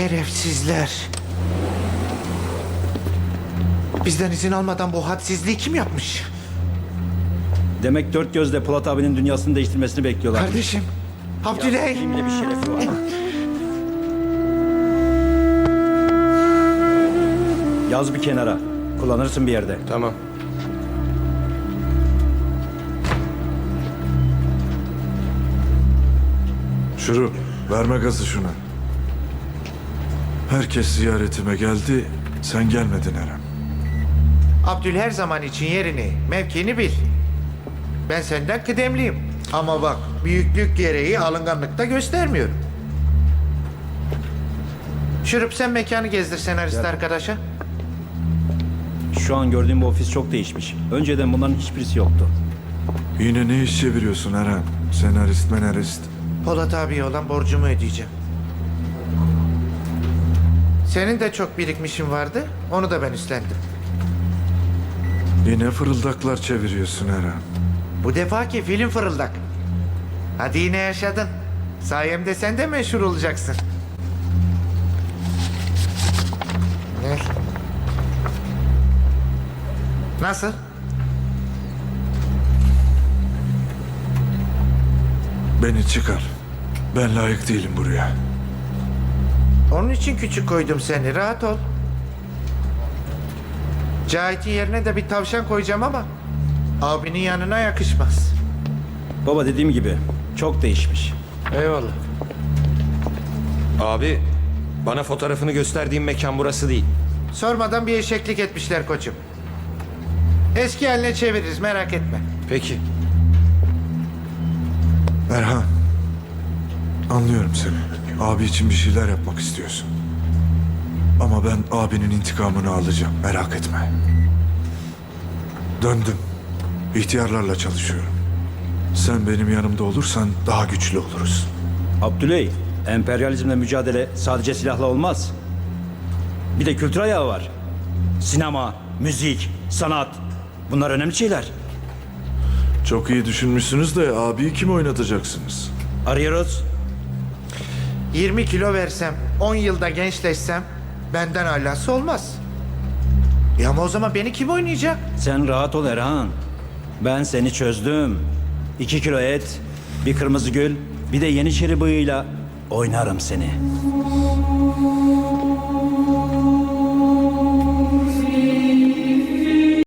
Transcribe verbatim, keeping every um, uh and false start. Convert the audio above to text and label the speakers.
Speaker 1: Şerefsizler. Bizden izin almadan bu hadsizliği kim yapmış?
Speaker 2: Demek dört gözle Polat abinin dünyasını değiştirmesini bekliyorlar.
Speaker 1: Kardeşim, Abdüley.
Speaker 2: Kimle bir şerefi var. Yaz bir kenara. Kullanırsın bir yerde.
Speaker 3: Tamam.
Speaker 4: Şurup, verme gazı şuna. Herkes ziyaretime geldi, sen gelmedin Eren.
Speaker 1: Abdül her zaman için yerini, mevkini bil. Ben senden kıdemliyim. Ama bak, büyüklük gereği alınganlık da göstermiyorum. Şurup sen mekanı gezdir senarist arkadaşa.
Speaker 2: Şu an gördüğüm bu ofis çok değişmiş. Önceden bunların hiçbirisi yoktu.
Speaker 4: Yine ne iş çeviriyorsun Eren? Senarist menarist.
Speaker 1: Polat abiye olan borcumu ödeyeceğim. Senin de çok birikmişin vardı, onu da ben üstlendim.
Speaker 4: Yine fırıldaklar çeviriyorsun Eren.
Speaker 1: Bu defaki film fırıldak. Hadi yine yaşadın. Sayemde sen de meşhur olacaksın. Gel. Nasıl?
Speaker 4: Beni çıkar. Ben layık değilim buraya.
Speaker 1: Onun için küçük koydum seni. Rahat ol. Cahit'in yerine de bir tavşan koyacağım ama abinin yanına yakışmaz.
Speaker 2: Baba dediğim gibi çok değişmiş.
Speaker 3: Eyvallah. Abi, bana fotoğrafını gösterdiğim mekan burası değil.
Speaker 1: Sormadan bir eşeklik etmişler koçum. Eski haline çeviririz, merak etme.
Speaker 3: Peki.
Speaker 4: Erhan, anlıyorum seni. Abi için bir şeyler yapmak istiyorsun. Ama ben abinin intikamını alacağım, merak etme. Döndüm. İhtiyarlarla çalışıyorum. Sen benim yanımda olursan daha güçlü oluruz.
Speaker 2: Abdüley, emperyalizmle mücadele sadece silahla olmaz. Bir de kültür ayağı var. Sinema, müzik, sanat. Bunlar önemli şeyler.
Speaker 4: Çok iyi düşünmüşsünüz de abiyi kim oynatacaksınız?
Speaker 2: Arıyoruz.
Speaker 1: yirmi kilo versem, on yılda gençleşsem benden alası olmaz. Ya ama o zaman beni kim oynayacak?
Speaker 2: Sen rahat ol Erhan. Ben seni çözdüm. İki kilo et, bir kırmızı gül, bir de yeniçeri bıyığıyla oynarım seni.